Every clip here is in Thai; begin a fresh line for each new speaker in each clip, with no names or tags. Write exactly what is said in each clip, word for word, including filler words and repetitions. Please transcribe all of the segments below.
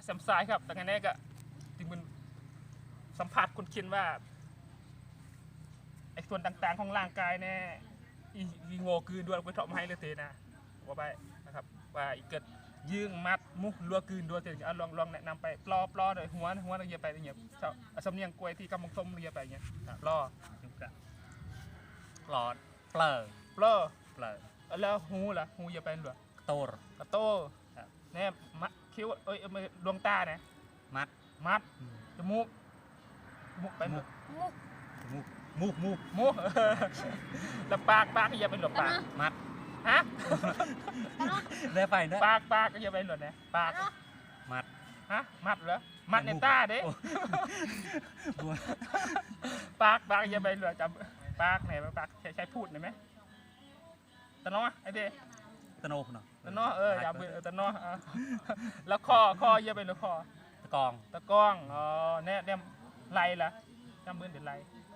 แซมซ้ายครับแต่ไงเนี่ยก็จริงมันสัมผัสคุณคิดว่าไอ้ส่วนต่างๆของร่างกายเนี่ยอีโง่คือดวงไปทำให้เลยเตนะว่าไปนะครับว่าอีเกิดยื่งมัดมุกลัวคืนดัวเตะลองลองแนะนำไปปลอปลอโดยหัวหัวอะไรเงี้ยไปอย่างเงี้ยสำเนียงกล้วยที่กำมังส้มเงี้ยไปอย่างเงี้ยปลอ
หลอดเปลือก
ปลอ
เปลือก
แล้วหูล่ะหูเงี้ยไปหรือ
โตร
กระโตเนี่ยมัดคิ้วเอ้ยดวงตาเนี่ย
มัด
มัดจมูกจมูกไปมุก
มุกมุกมุก
มุกแล้วปากปากเงี้ยไปหรือปาก
มัด
ฮะ
ได้ไปเนอะ
ปากปากก็จะไปหลุดเนี่ยปาก
มัด
ฮะมัดเหรอมัดในตาเด้ปากปากจะไปหลุดจำปากไหนปากใช้ใช้พูดหน่อยไหมตะน้อไอ้เด้
ตะโนเนาะ
ตะน้อเอออย่าเบื่อตะน้อแล้วคอคอจะไปหรือคอ
ตะกอง
ตะกองอ๋อเนี่ยเนี่ยไหลล่ะจำเบื่อเดี๋ยวไหล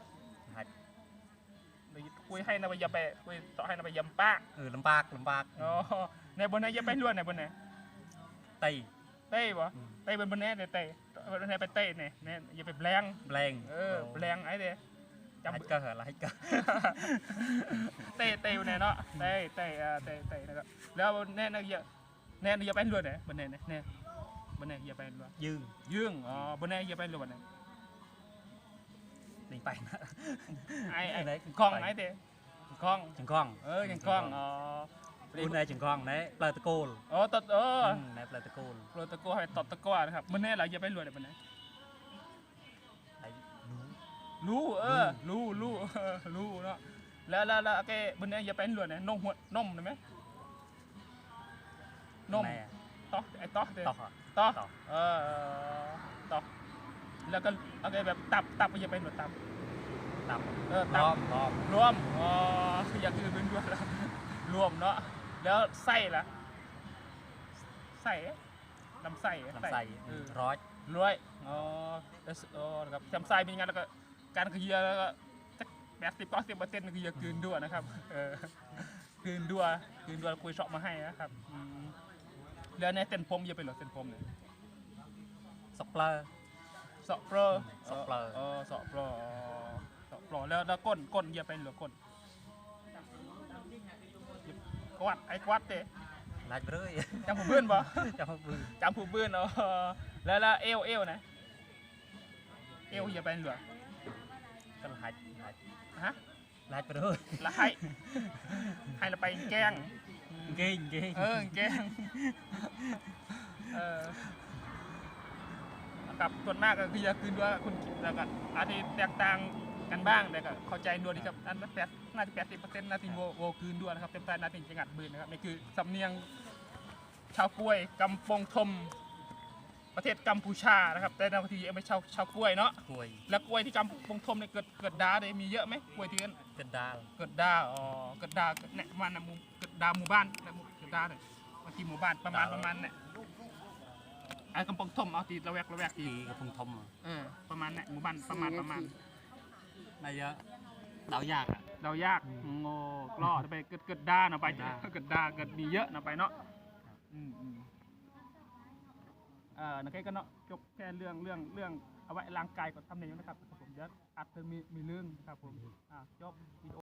คุยให้นายยาไปคุยต่อให้นายยำปาก
เออลำปากลำปาก
อ๋อในบนไหนยาไปล้วนในบนไหน
เตย
เต้บ่เต้บนบนไหนเต้เต้บนไหนไปเต้เนี่ยเนี่ยอย่าไปแบง
แบง
เออแบงไอ้เด้
จำก็เหรอไรก็
เต้เต้อยู่ไหนเนาะเต้เต้เออเต้เต้นะครับแล้วเนี่ยนายยาเนี่ยนายยาไปล้วนไหนบนไหนเนี่ยเนี่ยบนไหนยาไปล้วน
ยืง
ยืงอ๋อบนไหนยาไปล้วนไหน
นี่ไปนะ
ไอ้ไอ้กล้องไอ้เต้กล้อง
จังกล้อง
เออจังกล้องอ๋อ
คุณนายจังกล้องไหนปลาตะโกน
อ๋อตัดเออ
ไหนปลาตะโกน
ปลาตะโกนให้ตอดตะก้านะครับมันแน่เราอย่าไปรวยเลยมันแน่รู้เออรู้รู้รู้เนาะแล้วแล้วแล้วแกมันแน่อย่าไปรวยเนี่ยนมหัวนมได้ไหมนมต๊อกไอ้ต๊อกเลยต๊อกเออต๊อกแล้วก็โอเคแบบตับตับอย่าไปรวยตับ
ตับ
เออตับ
รวม
รวมอ๋ออยากคือเป็นรวมแล้วรวมเนาะแล้วไส้ล่ะไส้ลำไส้
ลำไส้ร้อย
ร้อยอ๋อเออครับลำไส้เป็นยังไงแล้วก็การขยี้แล้วก็แปดสิบเก้าสิบเปอร์เซ็นต์คือจะคืนด้วยนะครับเออคืนด้วยคืนด้วยคุยช็อปมาให้นะครับแล้วในเส้นผมจะเป็นหรอเส้นผมเนี่ย
สเปรย์
สเปรย์
สเปรย์
เออสเปรย์สเปรย์แล้วแล้วก้นก้นจะเป็นหรือก้นกวัดไอ้กวัดเต้
ลายเบรย
จำผู้บื้นบ่
จำผู้บื้น
จำผู้บื้นเนาะแล้วแล้วเอวเอวนะเอวอย่าไปเหลือ
ก็ลายลาย
ฮะ
ลายเบรย
ลายให้เราไปแกง
เก่งเก่ง
เออแกงเออกับส่วนมากก็คือจะคืนด้วยคุณแล้วก็อาจจะแตกต่างกันบ้างแต่ก็เข้าใจด้วยที่ครับอันนั้นแปดน่าจะแปดสิบเปอร์เซ็นต์นาทีโวโวคืนด้วยนะครับเต็มใจนาทีจังหวัดบืนนะครับนี่คือสำเนียงชาวกล้วยกำปงทมประเทศกัมพูชานะครับแต่นาทีไม่ชาวชาวกล้วยเนาะ
กล้วย
แล้วกล้วยที่กัมปงทมเนี่ยเกิดเกิดดาเลยมีเยอะไหมกล้วยที่นั่น
เกิดดา
เกิดดาอ๋อเกิดดาเนี่ยมันนะมุเกิดดาหมู่บ้านเกิดดาเลยมาที่หมู่บ้านประมาณประมาณเนี่ยไอ้กำปงทมเอาตีระแวกระแวกตี
กำปงทม
เออประมาณเนี่ยหมู่บ้านประมาณประมาณ
นายเยอะเดายากอ่ะ
เดายากโง่กล้อไปเกิดเกิดด้าเนาะไปเกิดด้าเกิดมีเยอะเนาะไปเนาะอืมอืมเออนักก็เนาะจบแค่เรื่องเรื่องเรื่องเอาไว้ร่างกายก็ทำในนี้นะครับผมเดี๋ยวอัดเพิ่มมีมีเรื่องครับผมอ่าจบ